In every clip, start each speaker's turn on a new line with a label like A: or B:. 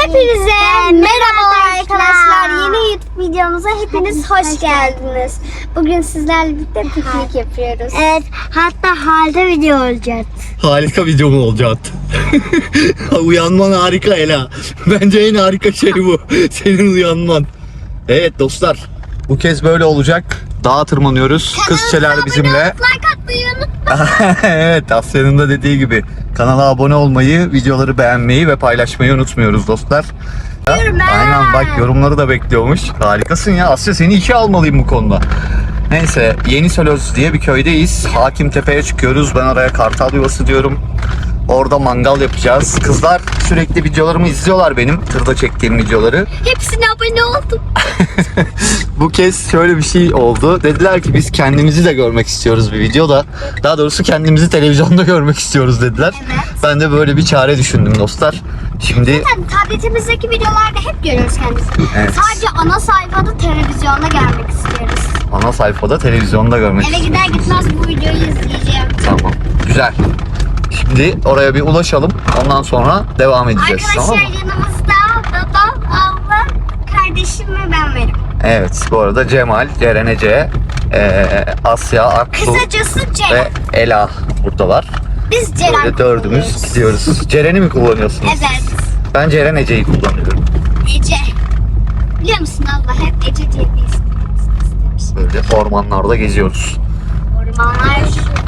A: Hepinize merhaba arkadaşlar. Yeni YouTube videomuza hepiniz hoş geldiniz. Bugün sizlerle birlikte piknik yapıyoruz.
B: Evet, hatta halde video olacak.
C: Harika video mu olacak? Uyanman harika Ela. Bence en harika şey bu. Senin uyanman. Evet dostlar, bu kez böyle olacak. Dağa tırmanıyoruz. Kızçeler bizimle.
A: Like atmayı unutmayın.
C: Evet, Asya'nın da dediği gibi kanala abone olmayı, videoları beğenmeyi ve paylaşmayı unutmuyoruz dostlar. Aynen, bak yorumları da bekliyormuş. Harikasın ya Asya, seni işe almalıyım bu konuda. Neyse, Yeni Sölöz diye bir köydeyiz. Hakimtepe'ye çıkıyoruz. Ben oraya Kartal Yuvası diyorum. Orada mangal yapacağız. Kızlar sürekli videolarımı izliyorlar benim. Tırda çektiğim videoları.
A: Hepsine abone oldum.
C: Bu kez şöyle bir şey oldu. Dediler ki biz kendimizi de görmek istiyoruz bir videoda. Daha doğrusu kendimizi televizyonda görmek istiyoruz dediler.
A: Evet.
C: Ben de böyle bir çare düşündüm dostlar. Şimdi
A: Zaten tabletimizdeki videolarda hep görüyoruz kendisini.
C: Evet.
A: Sadece ana sayfada televizyonda görmek istiyoruz.
C: ana sayfada televizyonda görmek
A: Eve
C: istiyorum.
A: gider gitmez bu videoyu izleyeceğim.
C: Tamam. Güzel. Şimdi oraya bir ulaşalım. Ondan sonra devam edeceğiz.
A: Arkadaşlar
C: Tamam mı?
A: yanımızda babam, ablam, kardeşim ve ben varım.
C: Evet. Bu arada Cemal, Ceren Ece, Asya, Aksu
A: Kısacası Ceren.
C: ve Ela buradalar.
A: Biz Ceren
C: Böyle dördümüz
A: kullanıyoruz.
C: gidiyoruz. Ceren'i mi kullanıyorsunuz?
A: Evet.
C: Ben Ceren Ece'yi kullanıyorum.
A: Ece. Biliyor musun abla hep Ece diye bir isim istemiş.
C: Böyle ormanlarda geziyoruz.
A: Ormanlar.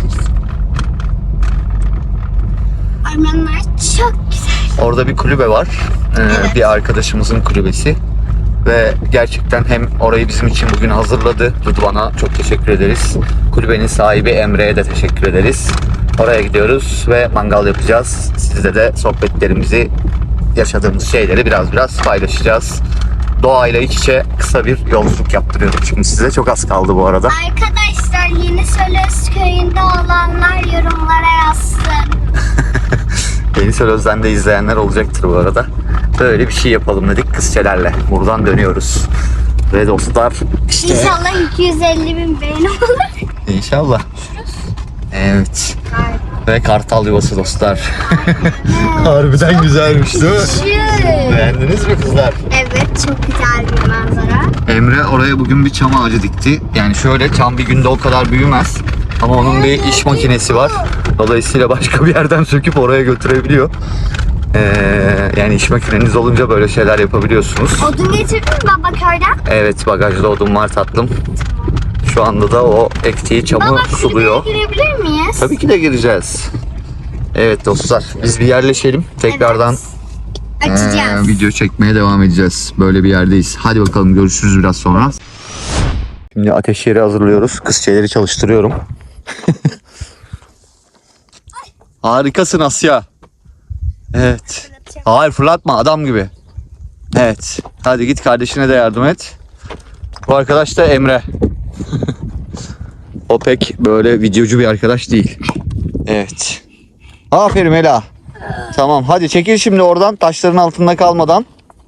A: Ormanlar çok güzel.
C: Orada bir kulübe var.
A: Evet.
C: Bir arkadaşımızın kulübesi. Ve gerçekten hem orayı bizim için bugün hazırladı. Rıdvan'a çok teşekkür ederiz. Kulübenin sahibi Emre'ye de teşekkür ederiz. Oraya gidiyoruz ve mangal yapacağız. Sizle de sohbetlerimizi, yaşadığımız şeyleri biraz paylaşacağız. Doğayla iç içe kısa bir yolculuk yaptırıyorum şimdi size. Çok az kaldı bu arada.
A: Arkadaşlar Yeni Sölöz köyünde olanlar yorumlara yazsın.
C: Yeni Sölöz'den de izleyenler olacaktır bu arada. Böyle bir şey yapalım dedik kızçelerle. Buradan dönüyoruz. Ve dostlar işte...
A: İnşallah 250.000 beğeni olur.
C: İnşallah. Evet. Ve Kartal Yuvası dostlar. Harbiden güzelmiş değil mi?
A: Şu.
C: Beğendiniz mi kızlar?
A: Evet çok güzel bir manzara.
C: Emre oraya bugün bir çam ağacı dikti. Yani şöyle, çam bir günde o kadar büyümez. Ama onun bir iş makinesi var. Dolayısıyla başka bir yerden söküp oraya götürebiliyor. Yani iş makineniz olunca böyle şeyler yapabiliyorsunuz.
A: Odun getirdin mi baba köyden?
C: Evet, bagajda odun var tatlım. Şu anda da o ektiği çamı
A: Baba
C: suluyor.
A: kulübeye girebilir miyiz?
C: Tabii ki de gireceğiz. Evet dostlar, biz bir yerleşelim. Tekrardan
A: Açacağız.
C: video çekmeye devam edeceğiz. Böyle bir yerdeyiz. Hadi bakalım, görüşürüz biraz sonra. Şimdi ateş yeri hazırlıyoruz. Kızçeleri çalıştırıyorum. Harikasın Asya. Evet. Hayır, fırlatma, adam gibi. Evet. Hadi git kardeşine de yardım et. Bu arkadaş da Emre. O pek böyle videocu bir arkadaş değil. Evet. Aferin Ela. Tamam, hadi çekil şimdi oradan, taşların altında kalmadan.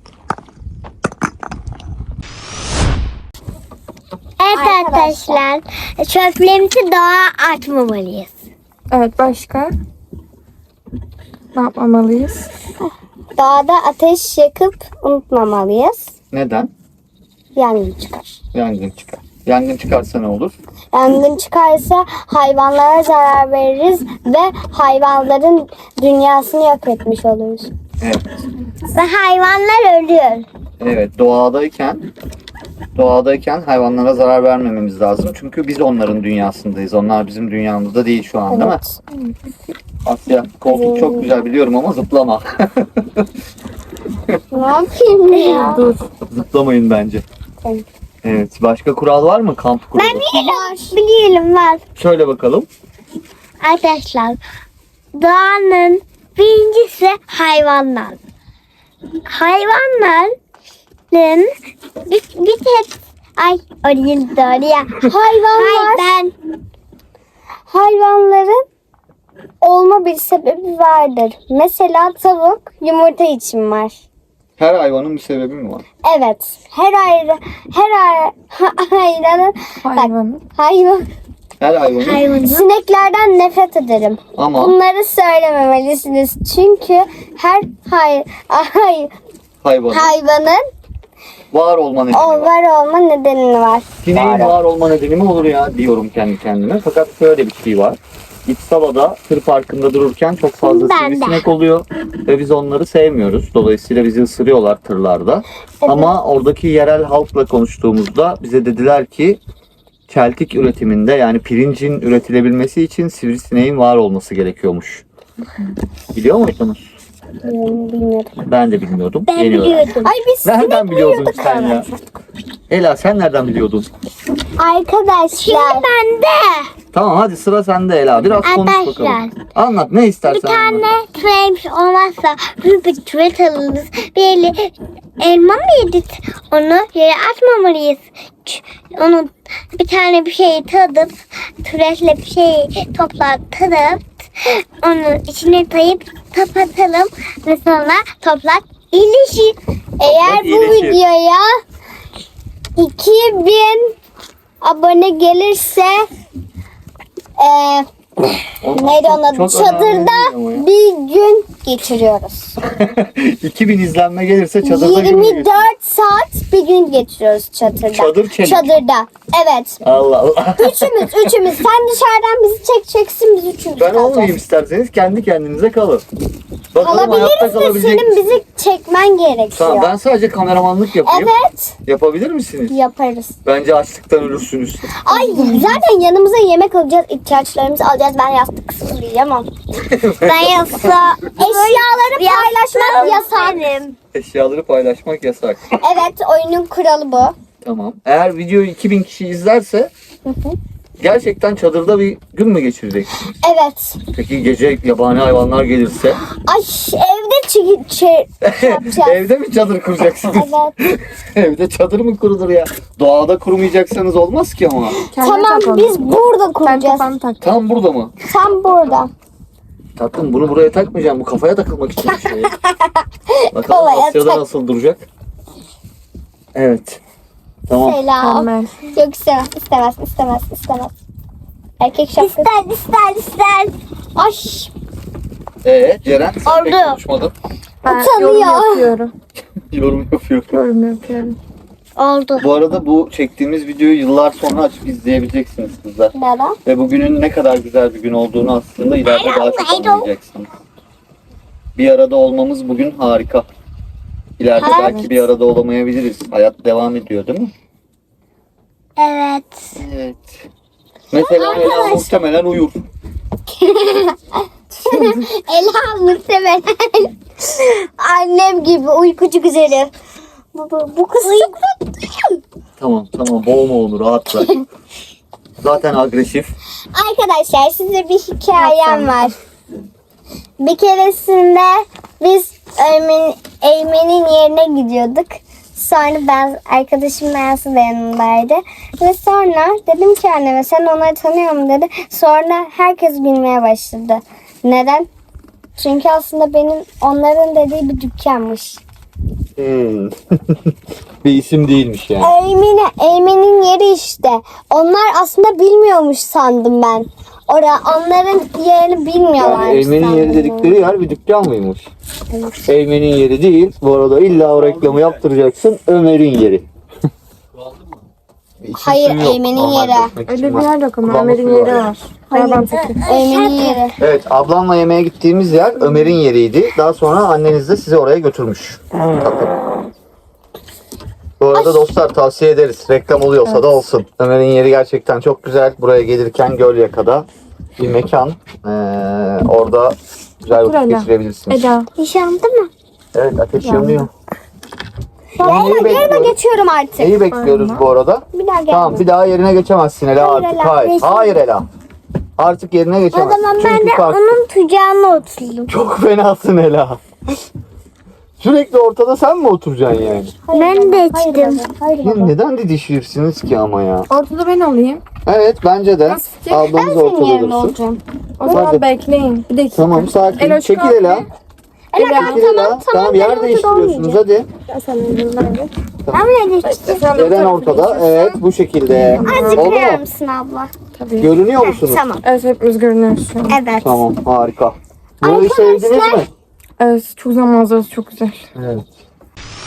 B: Evet arkadaşlar, çöplerimizi doğa atmamalıyız.
D: Evet, başka? Ne yapmamalıyız?
A: Dağda ateş yakıp unutmamalıyız.
C: Neden?
A: Yangın çıkar.
C: Yangın çıkar. Yangın çıkarsa ne olur?
A: Yangın çıkarsa hayvanlara zarar veririz ve hayvanların dünyasını yok etmiş oluruz.
C: Evet.
B: Ve hayvanlar ölüyor.
C: Evet, doğadayken hayvanlara zarar vermememiz lazım. Çünkü biz onların dünyasındayız. Onlar bizim dünyamızda değil şu an, değil mi? Asya, koltuk çok güzel biliyorum ama zıplama.
A: Ne yapayım ya?
D: Dur.
C: Zıplamayın bence. Evet, başka kural var mı kamp kuralı?
B: Bilelim var.
C: Şöyle bakalım.
B: Arkadaşlar, doğanın birincisi hayvanlar. Hayvanların bir tek oraya doğru ya.
A: Hayvanların olma bir sebebi vardır. Mesela tavuk yumurta için var.
C: Her hayvanın bir sebebi mi var?
A: Evet. Her hayvanın
D: Hayvanın.
C: Her hayvanın.
A: Sineklerden nefret ederim.
C: Ama
A: Bunları söylememelisiniz. Çünkü her hayvanın
C: var olma nedeni var.
A: var olma nedeni var.
C: Sineğin var olma nedeni mi olur ya diyorum kendi kendime. Fakat şöyle bir şey var. İpsala'da tır parkında dururken çok fazla
B: Ben de.
C: sivrisinek oluyor ve biz onları sevmiyoruz. Dolayısıyla bizi ısırıyorlar tırlarda. Ama oradaki yerel halkla konuştuğumuzda bize dediler ki çeltik üretiminde, yani pirincin üretilebilmesi için sivrisineğin var olması gerekiyormuş. Biliyor muydunuz?
A: Bilmiyorum.
C: Ben de bilmiyordum.
B: Ben
C: Yeni öğrendim.
B: biliyordum.
A: Ay biz
C: Nereden biliyordun sen ya? Ela sen nereden biliyordun?
A: arkadaşlar.
B: Ben de.
C: Tamam hadi sıra sende Ela. Biraz konuş
B: Arkadaşlar,
C: bakalım. Anlat ne istersen.
B: Bir tane
C: anlat.
B: türemiş olmazsa büyük bir türet alırız. Bir elma mı yedik? Onu yere atmamalıyız. Onu bir tane bir şeyi tadıp türetle bir şeyi toplatıp onu içine tayıp kapatalım ve sonra toprak iyileşir.
A: Eğer bu
C: iyileşir.
A: videoya 2000 abone gelirse neydi onun adı?
C: Çok
A: Çadırda
C: önemli değil ama ya.
A: bir gün geçiriyoruz.
C: 2000 izlenme gelirse çadırda gün
A: 24 saat bir gün geçiriyoruz çadırda.
C: Çadır çelik.
A: Çadırda. Evet.
C: Allah Allah.
A: Üçümüz. Sen dışarıdan bizi çekeceksin, biz üçümüz
C: Ben
A: kalacağız.
C: olmayayım isterseniz, kendi kendinize kalın. Bakalım hayatta
A: Alabiliriz de
C: kalabilecek
A: senin
C: misiniz?
A: bizi çekmen gerekiyor.
C: Tamam, ben sadece kameramanlık yapayım.
A: Evet.
C: Yapabilir misiniz?
A: Yaparız.
C: Bence açlıktan ölürsünüz.
A: Ay zaten yanımıza yemek alacağız, ihtiyaçlarımızı alacağız. Ben yastık uyuyamam.
B: Ben yoksa
A: Eşyaları paylaşmak yasak.
C: Eşyaları paylaşmak yasak.
A: Evet, oyunun kuralı bu.
C: Tamam. Eğer videoyu 2000 kişi izlerse gerçekten çadırda bir gün mü geçireceksiniz?
A: Evet.
C: Peki gece yabani hayvanlar gelirse?
A: Ay evde yapacağız.
C: Evde mi çadır kuracaksınız?
A: Evet.
C: Evde çadır mı kurulur ya? Doğada kurmayacaksanız olmaz ki ama.
A: Tamam, biz burada
D: Sen
A: kuracağız.
D: kafanı tak.
C: Tam burada mı?
A: Tam burada.
C: Tatlım bunu buraya takmayacağım. Bu kafaya takılmak için bir şey. Bakalım
A: Kafaya
C: Asya'da
A: tak.
C: nasıl duracak? Evet. Tamam.
A: Selam.
D: Mükemmel.
A: Yok istemez. Erkek şapkası.
B: ister.
A: Ay
C: Ceren sen pek
B: Oldu.
C: konuşmadın.
D: Ben
A: Utanıyor.
D: yorum yapıyorum.
C: Yorum yapıyor.
D: Yorum yapıyorum.
B: Oldu.
C: Bu arada bu çektiğimiz videoyu yıllar sonra açıp izleyebileceksiniz kızlar.
A: neden?
C: Ve bugünün ne kadar güzel bir gün olduğunu aslında ileride daha çok anlayacaksınız. Bir arada olmamız bugün harika. İleride
A: Evet.
C: belki bir arada olamayabiliriz. Hayat devam ediyor değil mi?
B: Evet.
C: Evet. Mesela Ela muhtemelen uyur.
A: Ela muhtemelen annem gibi uykucu güzeli. Bu kız çok tatlı.
C: Tamam boğma onu rahat bırak. Zaten agresif.
A: Arkadaşlar size bir hikayem var. Bir keresinde biz Eymen'in yerine gidiyorduk. Sonra ben arkadaşım Mersi de yanımdaydı. Ve sonra dedim ki anneme sen onları tanıyor musun dedi. Sonra herkes bilmeye başladı. Neden? Çünkü aslında benim onların dediği bir dükkanmış.
C: Bir isim değilmiş yani.
A: Eymen'in yeri işte. Onlar aslında bilmiyormuş sandım ben. Onların yerini bilmiyorlar.
C: Yani Eymen'in yeri dedikleri yer bir dükkan mıymış? Eymen'in yeri değil. Bu arada illa o reklamı yaptıracaksın. Ömer'in yeri. İçim
A: Hayır,
C: suyu yok.
A: Eymen'in
C: Normal
A: yeri.
C: dökmek
D: Öyle
C: için
D: bir
C: var.
D: yer yok ama
C: Kullanma
D: Ömer'in
C: suyu
D: yeri var. Hayvan peki.
A: Eymen'in yeri.
C: Evet, ablamla yemeğe gittiğimiz yer Ömer'in yeriydi. Daha sonra anneniz de sizi oraya götürmüş. Tatlım. Bu arada dostlar tavsiye ederiz. Reklam oluyorsa da olsun. Ömer'in yeri gerçekten çok güzel. Buraya gelirken Gölyaka'da bir mekan. Orada güzel vakit
D: Ela.
C: geçirebilirsiniz.
D: Eda.
B: Yaşandı mı?
C: Evet, ateş yanıyor.
A: Yerine
C: bekliyoruz?
A: geçiyorum artık.
C: Neyi bekliyoruz bu arada?
A: Bir daha gel.
C: Tamam, bir daha yerine geçemezsin Ela
A: Hayır
C: artık.
A: Ela,
C: Hayır.
A: geçme.
C: Hayır Ela. Artık yerine
B: O
C: geçemezsin.
B: zaman ben
C: Çünkü
B: de
C: kalk-
B: onun kucağına oturdum.
C: Çok fenasın Ela. Sürekli ortada sen mi oturacaksın yani?
B: Ben de içtim.
A: Hayır
C: Ya neden didişirsiniz ki ama ya?
D: Ortada ben olayım.
C: Evet bence de.
D: Nasıl fikir?
C: Ablamız
A: Ben senin
C: ortada
A: yerine
C: dursun.
A: olacağım.
D: O zaman
C: Hadi.
D: bekleyin. Bir dakika.
C: Tamam sakin.
D: Ela,
C: Çekil
D: kalk
C: Ela.
D: Ela.
C: Çekil Ela. Tamam yer değiştiriyorsunuz hadi.
D: Sen elinden ver.
B: Ben bile geçtim.
D: Sen de bu
C: Eren
D: tarafa
C: ortada.
D: geçiyorsun.
C: Evet bu şekilde.
A: Azıcık
C: Oldu
A: verir
C: mu?
A: misin abla?
D: Tabii.
C: Görünüyor musunuz?
A: Tamam.
D: Evet hepimiz görünüyoruz şu an.
A: Evet.
C: Tamam harika. Burayı sevdiniz mi?
D: Evet çok zaman manzarası çok güzel.
C: Evet.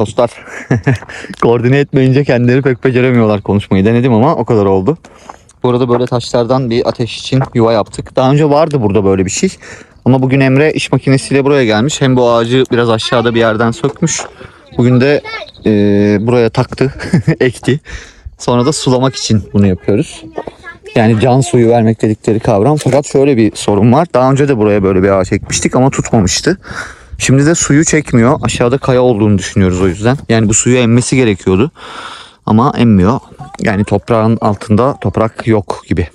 C: Dostlar koordine etmeyince kendileri pek beceremiyorlar konuşmayı. Denedim ama o kadar oldu. Bu arada böyle taşlardan bir ateş için yuva yaptık. Daha önce vardı burada böyle bir şey. Ama bugün Emre iş makinesiyle buraya gelmiş. Hem bu ağacı biraz aşağıda bir yerden sökmüş. Bugün de buraya taktı, ekti. Sonra da sulamak için bunu yapıyoruz. Yani can suyu vermek dedikleri kavram. Fakat şöyle bir sorun var. Daha önce de buraya böyle bir ağaç ekmiştik ama tutmamıştı. Şimdi de suyu çekmiyor. Aşağıda kaya olduğunu düşünüyoruz o yüzden. Yani bu suyu emmesi gerekiyordu. Ama emmiyor. Yani toprağın altında toprak yok gibi.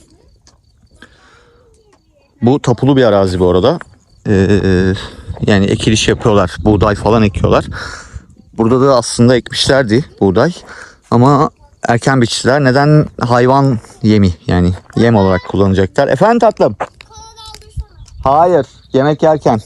C: Bu tapulu bir arazi bu arada. Yani ekiliş yapıyorlar. Buğday falan ekiyorlar. Burada da aslında ekmişlerdi buğday. Ama erken biçtiler. Neden? Hayvan yemi, yani yem olarak kullanacaklar. Efendim tatlım? Hayır. Yemek yerken.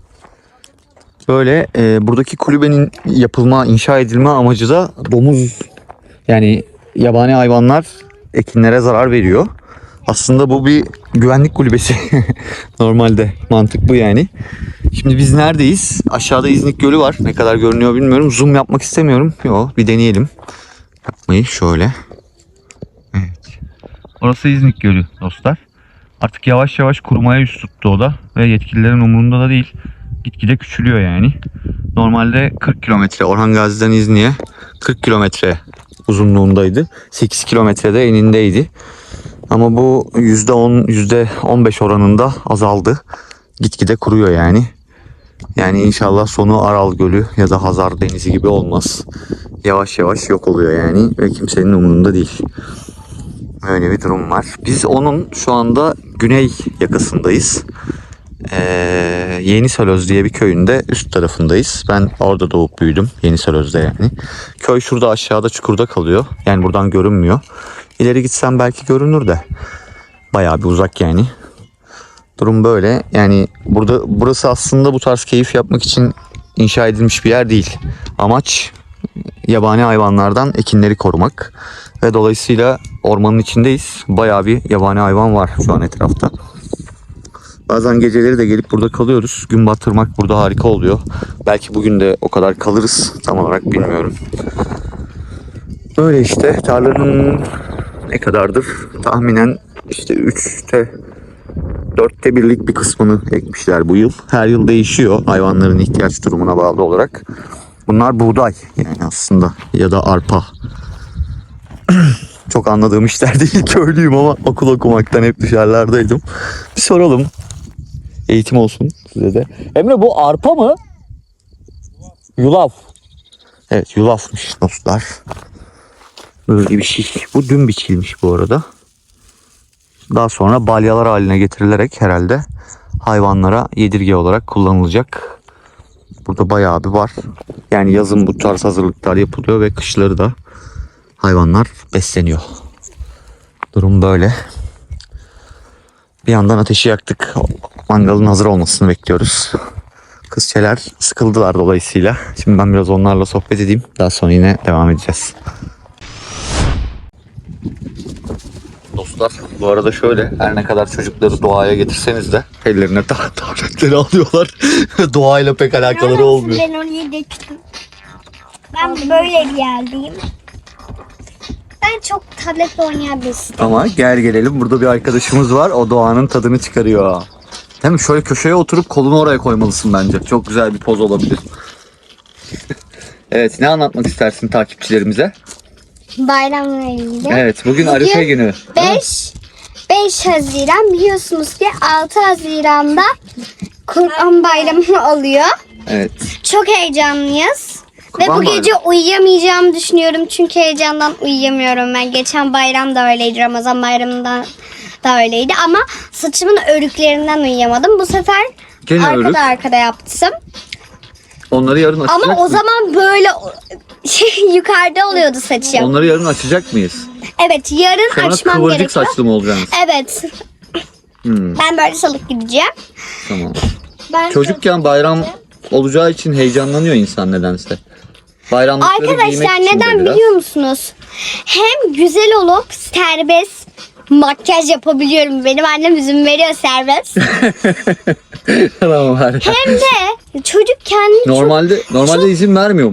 C: Böyle buradaki kulübenin inşa edilme amacı da domuz, yani yabani hayvanlar ekinlere zarar veriyor. Aslında bu bir güvenlik kulübesi. Normalde mantık bu yani. Şimdi biz neredeyiz? Aşağıda İznik Gölü var. Ne kadar görünüyor bilmiyorum. Zoom yapmak istemiyorum. Yok, bir deneyelim. Yapmayı şöyle. Evet. Orası İznik Gölü dostlar. Artık yavaş yavaş kurumaya yüz tuttu o da. Ve yetkililerin umurunda da değil. Gitgide küçülüyor yani. Normalde 40 kilometre Orhan Gazi'den İznik'e 40 kilometre uzunluğundaydı. 8 kilometrede enindeydi. Ama bu %10, %15 oranında azaldı. Gitgide kuruyor yani. Yani inşallah sonu Aral Gölü ya da Hazar Denizi gibi olmaz. Yavaş yavaş yok oluyor yani ve kimsenin umurunda değil. Öyle bir durum var. Biz onun şu anda güney yakasındayız. Yenisölöz diye bir köyünde üst tarafındayız. Ben orada doğup büyüdüm. Yenisölöz'de yani. Köy şurada aşağıda çukurda kalıyor. Yani buradan görünmüyor. İleri gitsem belki görünür de. Bayağı bir uzak yani. Durum böyle. Yani burası aslında bu tarz keyif yapmak için inşa edilmiş bir yer değil. Amaç yabani hayvanlardan ekinleri korumak. Ve dolayısıyla ormanın içindeyiz. Bayağı bir yabani hayvan var şu an etrafta. Bazen geceleri de gelip burada kalıyoruz. Gün batırmak burada harika oluyor. Belki bugün de o kadar kalırız. Tam olarak bilmiyorum. Böyle işte tarlanın ne kadardır? Tahminen işte 4'te 1'lik bir kısmını ekmişler bu yıl. Her yıl değişiyor hayvanların ihtiyaç durumuna bağlı olarak. Bunlar buğday yani aslında ya da arpa. Çok anladığım işler değil, köylüyüm ama okul okumaktan hep dışarılardaydım. Bir soralım. Eğitim olsun size de. Emre bu arpa mı? Yulaf. Evet, yulafmış dostlar. Böyle bir şey. Bu dün biçilmiş bu arada. Daha sonra balyalar haline getirilerek herhalde hayvanlara yedirge olarak kullanılacak. Burada bayağı bir var. Yani yazın bu tarz hazırlıklar yapılıyor ve kışları da hayvanlar besleniyor. Durum böyle. Bir yandan ateşi yaktık. Mangalın hazır olmasını bekliyoruz. Kızçeler sıkıldılar dolayısıyla. Şimdi ben biraz onlarla sohbet edeyim. Daha sonra yine devam edeceğiz. Dostlar bu arada şöyle, her ne kadar çocukları doğaya getirseniz de ellerine tabletleri alıyorlar. Doğayla pek alakaları olmuyor.
A: Ben oraya döktüm. Ben böyle bir yerdeyim. Ben çok tabletle oynayan birisiyim.
C: Ama gelelim burada bir arkadaşımız var. O doğanın tadını çıkarıyor. Değil mi? Şöyle köşeye oturup kolunu oraya koymalısın bence. Çok güzel bir poz olabilir. Evet, ne anlatmak istersin takipçilerimize?
A: Bayramla ilgili.
C: Evet, bugün Arife günü.
A: 5 Haziran biliyorsunuz ki 6 Haziran'da Kurban Bayramı oluyor.
C: Evet.
A: Çok heyecanlıyız. Ve
C: Kurban
A: bu gece
C: Bayramı.
A: uyuyamayacağımı düşünüyorum çünkü heyecandan uyuyamıyorum ben. Geçen bayram da öyleydi, Ramazan bayramında da öyleydi ama saçımın örüklerinden uyuyamadım. Bu sefer
C: Gene örük.
A: arkada yaptım.
C: Onları yarın açacak
A: Ama o
C: mıyız?
A: zaman böyle yukarıda oluyordu saçım.
C: Onları yarın açacak mıyız?
A: Evet, yarın
C: Sonra
A: açmam
C: kıvırcık
A: gerekiyor.
C: saçlı mı olacaksınız?
A: Evet.
C: Hmm,
A: Ben böyle salık gideceğim.
C: tamam. Çocukken bayram olacağı için heyecanlanıyor insan nedense. Bayramlıkları giymek
A: Arkadaşlar
C: için de
A: neden
C: biraz.
A: biliyor musunuz? Hem güzel olup serbest makyaj yapabiliyorum. Benim annem izin veriyor serbest.
C: Tamam, harika.
A: Hem de çocuk kendini
C: Normalde izin vermiyor mu?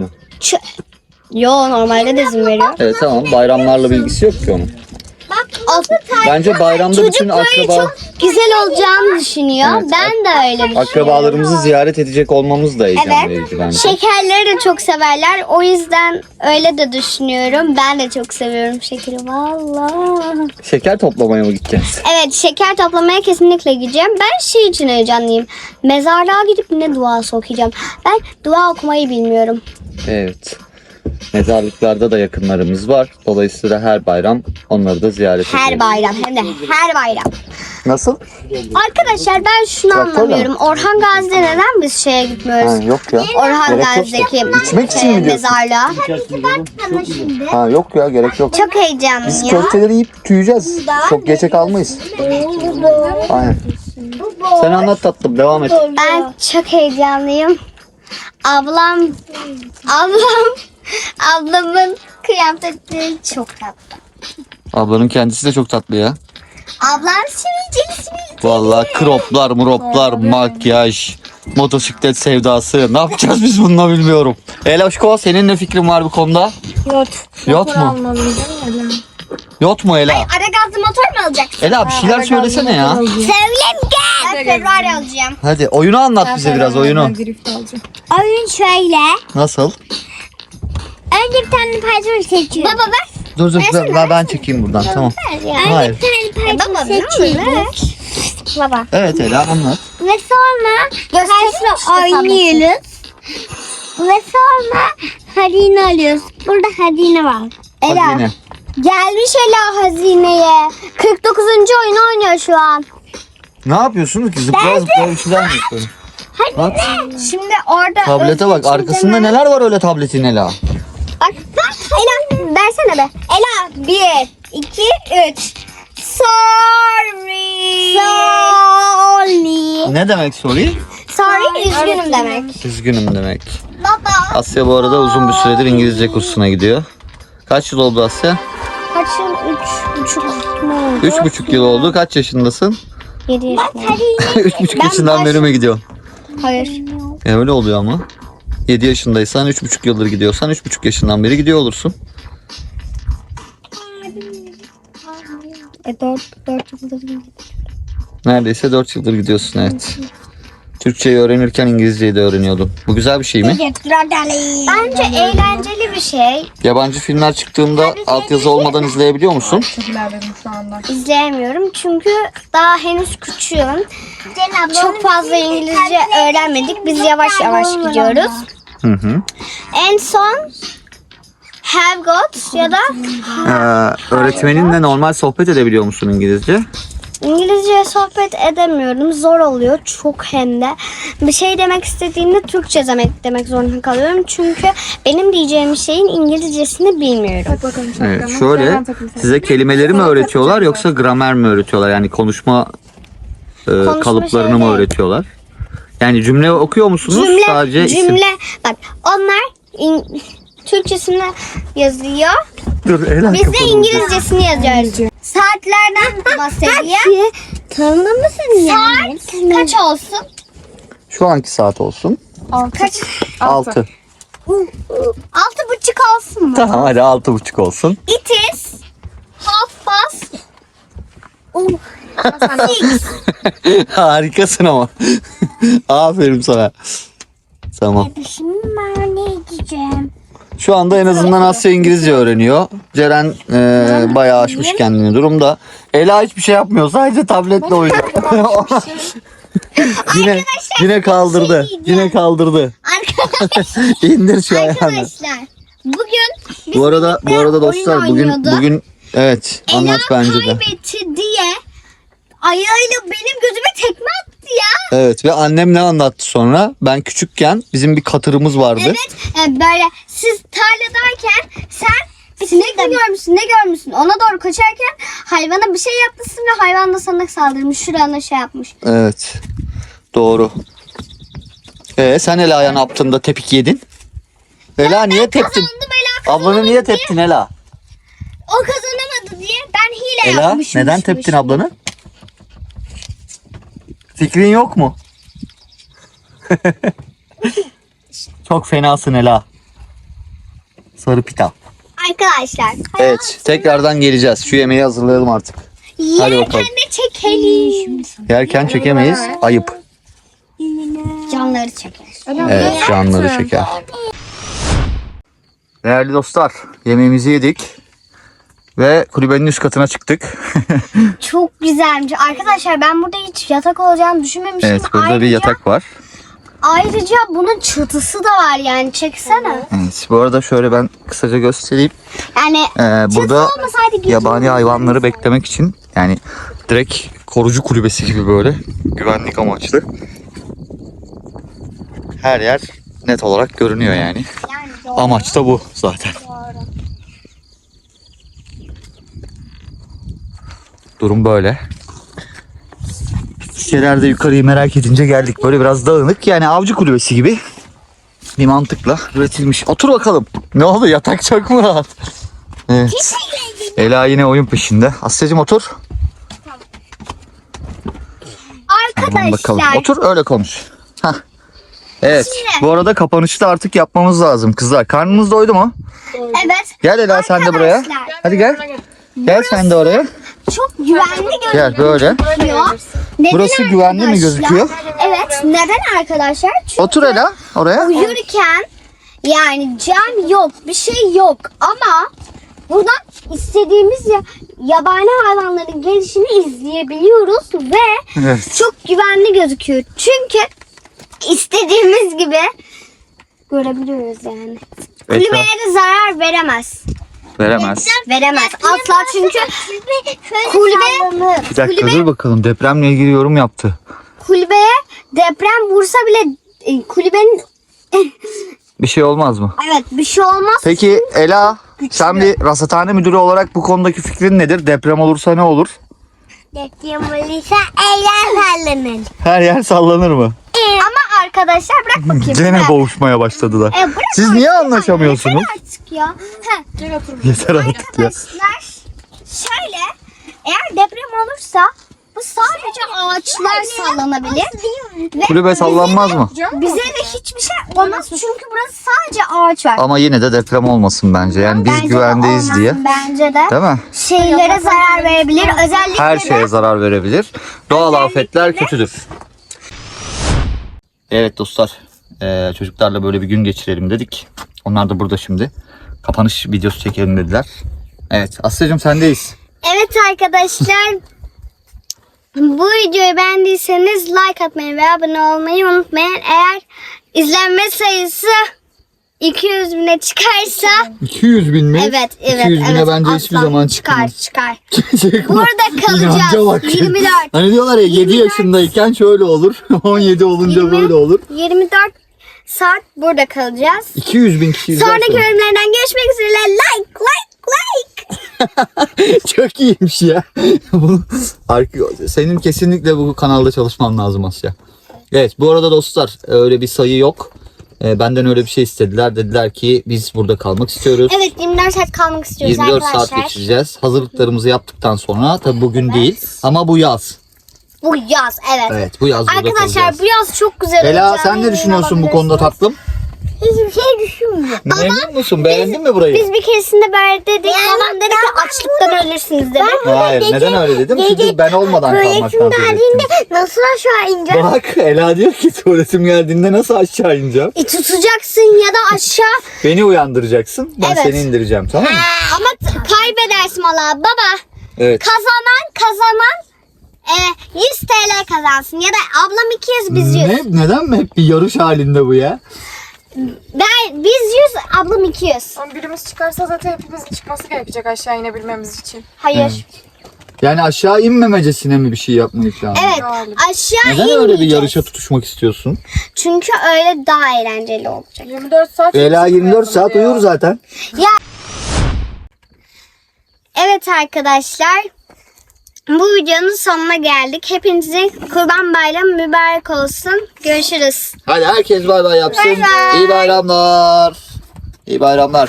A: Yo, normalde de izin veriyor.
C: Evet tamam, bayramlarla bilgisi yok ki onun. Bence bayramda bütün akraba
A: Güzel olacağını düşünüyor.
C: Evet,
A: Ben de öyle düşünüyorum.
C: akrabalarımızı ziyaret edecek olmamız da heyecan
A: Evet.
C: verici bence.
A: Şekerleri de çok severler. O yüzden öyle de düşünüyorum. Ben de çok seviyorum şekeri. Vallahi.
C: Şeker toplamaya mı gideceğiz?
A: Evet, şeker toplamaya kesinlikle gideceğim. Ben şey için heyecanlıyım. Mezarlığa gidip ne duası okuyacağım. Ben dua okumayı bilmiyorum.
C: Evet. Mezarlıklarda da yakınlarımız var. Dolayısıyla her bayram onları da ziyaret ediyoruz.
A: Her bayram, hem de her bayram.
C: Nasıl?
A: Arkadaşlar ben şunu
C: Traktörle
A: anlamıyorum. Orhan Gazi'de neden biz şeye gitmiyoruz?
C: Yok ya.
A: Orhan
C: Gerek yok.
A: Gazi'deki
C: İçmek için mi diyorsun?
A: mezarlığa.
C: Ha yok ya, gerek yok.
A: Çok heyecanlıyım
C: Biz
A: ya.
C: köfteleri yiyip tüyeceğiz. Çok geçe kalmayız. Aynen. Sen anlat tatlım, devam et.
A: Ben çok heyecanlıyım. Ablamın kıyafetleri çok tatlı.
C: Ablanın kendisi de çok tatlı ya.
A: Ablam sivilceli.
C: Vallahi kroplar, muroplar, makyaj, motosiklet sevdası. Ne yapacağız biz bununla bilmiyorum. Eloşko, senin ne fikrin var bu konuda?
D: Yot.
C: Yot
D: Motor
C: mu?
D: almalıyım değil mi?
C: Yok mu Ela?
A: Ara gazlı motor mu alacaksın?
C: Ela bir şeyler söylesene ya.
A: Söyleyeyim gel. Ben Ferrari alacağım.
C: Hadi oyunu anlat bize biraz, oyunu.
D: Drift alacağım.
A: Oyun şöyle.
C: Nasıl?
A: Önce bir tane payton seçiyorum. Baba ver.
C: Dur ben çekeyim buradan, tamam. Hayır.
A: Bir tane payton seçiyoruz. Baba.
C: Evet Ela, anlat.
A: Ve sonra karşıla oynuyoruz. Ve sonra hazine alıyoruz. Burada hazine var. Ela.
C: Hazine.
A: Gelmiş Ela hazineye. 49. oyunu oynuyor şu an.
C: Ne yapıyorsunuz ki? Zıplaya zıplaya bir şeyler mi yapıyorsun? Bak.
A: Şimdi orada...
C: Tablete bak, arkasında neler var öyle tabletin Ela?
A: Bak Ela versene be. Ela 1, 2, 3. Sorry. Sorry.
C: Ne demek sorry?
A: Sorry üzgünüm demek.
C: Üzgünüm demek.
A: Baba.
C: Asya bu arada uzun bir süredir İngilizce kursuna gidiyor. Kaç yıl oldu Asya?
A: Kaç yıl? 3,5 mu oldu?
C: 3,5 yıl oldu. Kaç yaşındasın?
A: 7 yaşındayım.
C: 3,5 yaşından beri mi gidiyorsun?
A: Hayır.
C: Öyle oluyor ama. 7 yaşındaysan 3,5 yıldır gidiyorsan 3,5 yaşından beri gidiyor olursun.
A: 4 yıldır.
C: Neredeyse 4 yıldır gidiyorsun, evet. Türkçeyi öğrenirken İngilizceyi de öğreniyordun. Bu güzel bir şey mi?
A: Bence eğlenceli bir şey.
C: Yabancı filmler çıktığında altyazı olmadan izleyebiliyor musun?
D: Çok ilerledim şu anda.
A: İzleyemiyorum çünkü daha henüz küçüğüm. Çok fazla İngilizce öğrenmedik. Biz yavaş yavaş gidiyoruz.
C: Hı hı.
A: En son have got ya da
C: Öğretmeninle normal sohbet edebiliyor musun İngilizce?
A: İngilizce sohbet edemiyorum. Zor oluyor. Çok hem de. Bir şey demek istediğimde Türkçe demek zorunda kalıyorum. Çünkü benim diyeceğim şeyin İngilizcesini bilmiyorum.
D: Bak bakalım şapkama.
C: Evet, şöyle
D: Hemen takayım sana.
C: size kelimeleri mi öğretiyorlar yoksa gramer mi öğretiyorlar? Yani konuşma kalıplarını mı
A: şeyleri.
C: öğretiyorlar? Yani cümle okuyor musunuz? Sadece isim.
A: Cümle. Bak onlar Türkçesini yazıyor.
C: Dur, Ela
A: Biz de
C: kapalı.
A: İngilizcesini yazıyoruz. Saatlerden bahsediyor.
B: Tanımlı mısın yani?
A: Saat kaç olsun?
C: Şu anki saat olsun.
A: Kaç?
C: 6.
A: 6,5 olsun mu?
C: Tamam hadi 6,5 olsun.
A: It is half past.
C: Harikasın ama. Aferin sana. Tamam.
A: Şimdi ben ne gideceğim?
C: Şu anda en azından Asya İngilizce öğreniyor. Ceren bayağı aşmış kendini durumda. Ela hiçbir şey yapmıyor. Sadece tabletle oynuyor. yine kaldırdı. Yine kaldırdı. İndir şu ayağını.
A: Arkadaşlar bugün biz
C: Bu arada
A: oyun
C: dostlar
A: oynuyorduk.
C: bugün evet, anlat
A: Ela
C: bence de.
A: kaybetti diye ayağıyla benim gözüme tekme attı ya.
C: Evet ve annem ne anlattı sonra? Ben küçükken bizim bir katırımız vardı.
A: Evet böyle siz tarladayken sen sinek mi görmüşsün ne görmüşsün ona doğru koşarken hayvana bir şey yapmışsın ve hayvan da sana saldırmış şurana şey yapmış.
C: Evet. Doğru. Sen Ela'ya ne yaptın da tepik yedin? Ela niye teptin?
A: Kazandım Ela
C: Ablanı niye teptin Ela?
A: o kazanamadı diye ben hile
C: Ela
A: yapmışım.
C: neden teptin ablanı? Fikrin yok mu? Çok fenasın Ela. sarı pita.
A: Arkadaşlar.
C: Evet, tekrardan geleceğiz. Şu yemeği hazırlayalım artık. Hadi
A: Yerken
C: bakalım.
A: de çekelim.
C: Yerken çekemeyiz. Ayıp.
A: Canları çeker.
C: Evet, canları çeker. Değerli dostlar, yemeğimizi yedik. Ve kulübenin üst katına çıktık.
A: Çok güzelmiş. Arkadaşlar ben burada hiç yatak olacağını düşünmemiştim.
C: Evet, burada bir yatak var.
A: Ayrıca bunun çatısı da var yani. Çeksene.
C: Evet, bu arada şöyle ben kısaca göstereyim.
A: Yani
C: Burada
A: olmasaydı gece
C: yabani hayvanları beklemek için yani direkt korucu kulübesi gibi böyle güvenlik amaçlı. Her yer net olarak görünüyor yani.
A: yani
C: Amaç da bu zaten. Durum böyle. Şeylerde yukarıyı merak edince geldik. Böyle biraz dağınık yani avcı kulübesi gibi bir mantıkla üretilmiş. Otur bakalım. Ne oldu, yatak çok mu rahat? Evet. Ela yine oyun peşinde. Asya'cığım otur. Tamam bakalım.
A: Arkadaşlar
C: Otur öyle konuş. Hah. Evet. Bu arada kapanışı da artık yapmamız lazım kızlar. Karnınız doydu mu?
A: evet
C: Gel Ela sen de buraya.
A: Arkadaşlar.
C: Hadi gel. Gel sen de oraya.
A: çok güvenli
C: Gel böyle.
A: gözüküyor. Neden
C: Burası güvenli mi
A: arkadaşlar?
C: gözüküyor?
A: Evet. Neden arkadaşlar? Çünkü
C: Otur Ela oraya.
A: uyurken yani cam yok, bir şey yok ama buradan istediğimiz yabani hayvanların gelişini izleyebiliyoruz ve
C: Evet.
A: çok güvenli gözüküyor. Çünkü istediğimiz gibi görebiliyoruz yani. Kulübeye de zarar veremez.
C: Veremez.
A: Veremez. Asla çünkü kulübe
C: Bir dakika dur bakalım, depremle ilgili yorum yaptı.
A: kulübeye deprem vursa bile kulübenin
C: Bir şey olmaz mı?
A: evet bir şey olmaz.
C: Peki Ela, sen bir rasathane müdürü olarak bu konudaki fikrin nedir? Deprem olursa ne olur?
B: Deprem olursa eller sallanır.
C: Her yer sallanır mı?
A: Ama arkadaşlar bırak bakayım.
C: Gene
A: bırak.
C: boğuşmaya başladılar.
A: Bırak
C: Siz niye anlaşamıyorsunuz?
A: artık ya. Heh.
C: Yeter artık ya.
A: Arkadaşlar şöyle eğer deprem olursa bu sadece ağaçlar sallanabilir. Ve
C: Kulübe sallanmaz mı?
A: bize de hiçbir şey olmaz çünkü burası sadece ağaç var.
C: Ama yine de deprem olmasın bence. Yani biz
A: Bence de
C: güvendeyiz
A: olmaz.
C: diye.
A: Bence de.
C: Değil mi?
A: Şeylere zarar verebilir. Özellikle
C: Her
A: de
C: şeye zarar verebilir. Doğal afetler kötüdür. Evet dostlar, çocuklarla böyle bir gün geçirelim dedik. Onlar da burada şimdi. Kapanış videosu çekelim dediler. Evet Asya'cığım sendeyiz.
A: Evet arkadaşlar. Bu videoyu beğendiyseniz like atmayı ve abone olmayı unutmayın. Eğer izlenme sayısı 200 bine çıkarsa
C: 200 bin mi?
A: evet
C: 200 bine
A: evet,
C: bence
A: aslan.
C: hiçbir zaman çıkmaz.
A: Çıkar. Burada kalacağız.
C: İnanca bak.
A: 24.
C: Hani diyorlar ya 7
A: 24.
C: yaşındayken şöyle olur. 17 olunca
A: 20.
C: böyle olur.
A: 24 saat burada kalacağız.
C: 200 bin kişi izler
A: Sonraki
C: sonra.
A: bölümlerden görüşmek üzere. Like.
C: Çok iyiymiş ya. Senin kesinlikle bu kanalda çalışman lazım Asya. Evet bu arada dostlar öyle bir sayı yok. Benden öyle bir şey istediler. Dediler ki biz burada kalmak istiyoruz.
A: Evet 24 saat kalmak istiyoruz
C: 24
A: arkadaşlar.
C: saat geçireceğiz. Hazırlıklarımızı yaptıktan sonra tabi bugün değil ama bu yaz.
A: Bu yaz evet.
C: Evet bu yaz burada
A: Arkadaşlar
C: kalacağız.
A: bu yaz çok güzel
C: Ela
A: olacak.
C: sen ne düşünüyorsun bu konuda tatlım?
A: Hiçbir şey düşünmüyorum.
C: Memnun musun? Beğendin mi burayı?
A: Biz bir keresinde böyle dedik. Babam dedi ki açlıktan ölürsünüz dedi.
C: Hayır neden öyle dedim? Çünkü ben olmadan kalmaktan söz ettim.
A: Nasıl aşağı ineceğim?
C: Bak Ela diyor ki tuvaletim geldiğinde nasıl aşağı ineceğim?
A: Tutacaksın ya da aşağı.
C: Beni uyandıracaksın. Ben
A: Evet.
C: seni indireceğim tamam mı?
A: Ama kaybedersin valla. Baba
C: Evet.
A: kazanan 100 TL kazansın. Ya da ablam 200 biz 100.
C: Neden mi hep bir yarış halinde bu ya?
A: Biz 100 ablam 200.
D: Ama birimiz çıkarsa zaten hepimizin çıkması gerekecek aşağı inebilmemiz için.
A: Hayır.
C: Yani aşağı inmemecesine mi bir şey yapmayı şu an?
A: Evet
D: Galiba.
A: aşağı
C: Neden öyle bir
A: inmeyeceğiz.
C: yarışa tutuşmak istiyorsun?
A: Çünkü öyle daha eğlenceli olacak.
D: 24 saat.
C: Ela 24 saat
D: çıkmayalım
C: uyur zaten.
A: Evet arkadaşlar. Bu videonun sonuna geldik. Hepinizin Kurban Bayramı mübarek olsun. Görüşürüz.
C: Hadi herkes bay bay yapsın.
A: Bay bay.
C: İyi bayramlar. İyi bayramlar.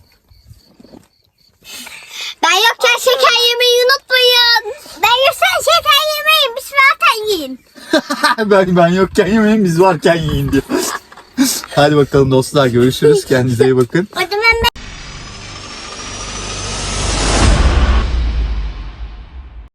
A: Ben yokken şeker yemeyi unutmayın. Ben yokken şeker yemeyin. Biz zaten yiyin.
C: ben yokken yemeyin biz varken yiyin diyor. Hadi bakalım dostlar görüşürüz. Kendinize iyi bakın.
A: O zaman ben